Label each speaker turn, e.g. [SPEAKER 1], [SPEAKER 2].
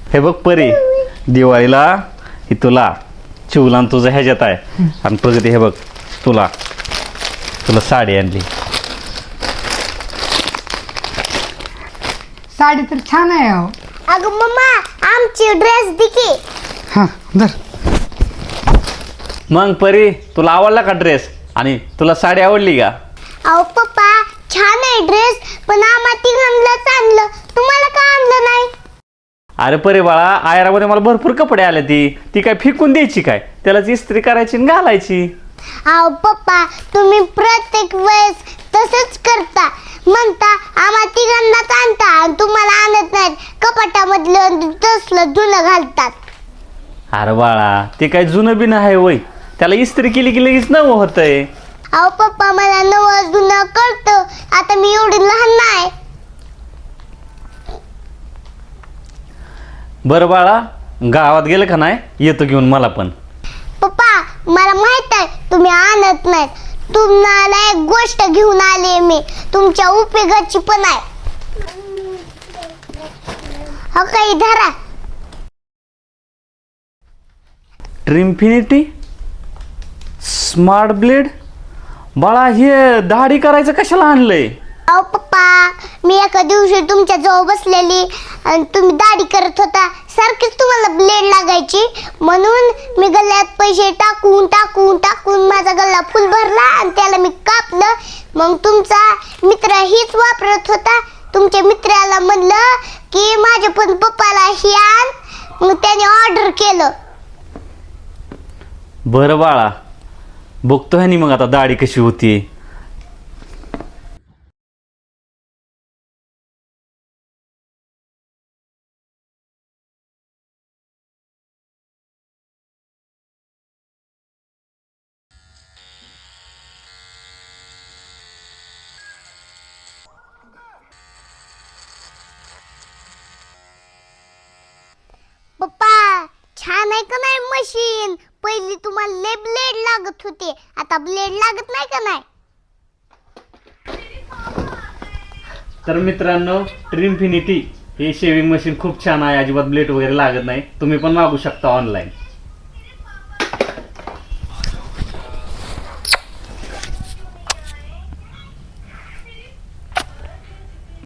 [SPEAKER 1] हे बघ परी, दिवाळीला ही तुला चिवला तुझं ह्याच्यात आहे आणि प्रगती हे बघ तुला तुला साडी आणली.
[SPEAKER 2] साडी तर छान आहे अहो.
[SPEAKER 3] अगं मम्मा आमची ड्रेस दे की.
[SPEAKER 2] हां धर.
[SPEAKER 1] मग परी तुला आवडला का ड्रेस आणि तुला साडी आवडली का?
[SPEAKER 3] अहो पप्पा छान आहे ड्रेस, पण आम्हा तिघांनाच आणलं, तुम्हाला का आणलं नाही?
[SPEAKER 1] अरे परी बाळा, आयरामध्ये मला भरपूर कपडे आले, ती काय फेकून द्यायची काय, त्यालाच इस्त्री करायची आणि घालायची.
[SPEAKER 3] अहो पप्पा तुम्ही प्रत्येक वेळेस तसंच करता, म्हणता आम्हा तिघांनाच आणता आणि तुम्हाला आणत नाहीत, कपाटामधलं तसलं जुनं घालतात.
[SPEAKER 1] अरे बाळा ते काय जुनं बिन आहे वय, त्याला इस्त्री केली की लगेच नवं होतंय.
[SPEAKER 3] अहो पप्पा मला नवं जुनं कळतं, आता मी एवढी लहान नाही.
[SPEAKER 1] बरं बाळा, गावात गेलं का नाही, येतो घेऊन मला पण.
[SPEAKER 3] पप्पा मला माहित आहे तुम्ही आणत नाहीत, तुम्हाला एक गोष्ट घेऊन आले मी, तुमच्या उपयोगाची पण आहे. हो काही धरा.
[SPEAKER 1] Trimfinity smart blade. बाळा हे दाढी करायचं कशाला आणलंय?
[SPEAKER 3] अहो पप्पा मी एका दिवशी तुमच्या जवळ बसलेली आणि तुम्ही दाढी करत होता, सारखीच तुम्हाला ब्लेड लागायची, म्हणून मी गल्ल्यात पैसे टाकून टाकून टाकून माझा गल्ला फुल भरला आणि त्याला मी कापलं. मग तुमचा मित्र हीच वापरत होता, तुमच्या मित्राला म्हणलं की माझ्या पण पप्पाला ही आण, मग त्याने ऑर्डर केलं.
[SPEAKER 1] बरं बाळा, बघतो ह्यानी मग आता दाढी कशी होती.
[SPEAKER 3] पप्पा छान आहे का नाही मशीन? पहिली तुम्हाला लय ब्लेड लागत होते, आता ब्लेड लागत नाही का नाही?
[SPEAKER 1] तर मित्रांनो, ट्रिम्फिनिटी हे शेविंग मशीन खूप छान आहे, अजिबात ब्लेड वगैरे लागत नाही, तुम्ही पण मागू शकता ऑनलाईन.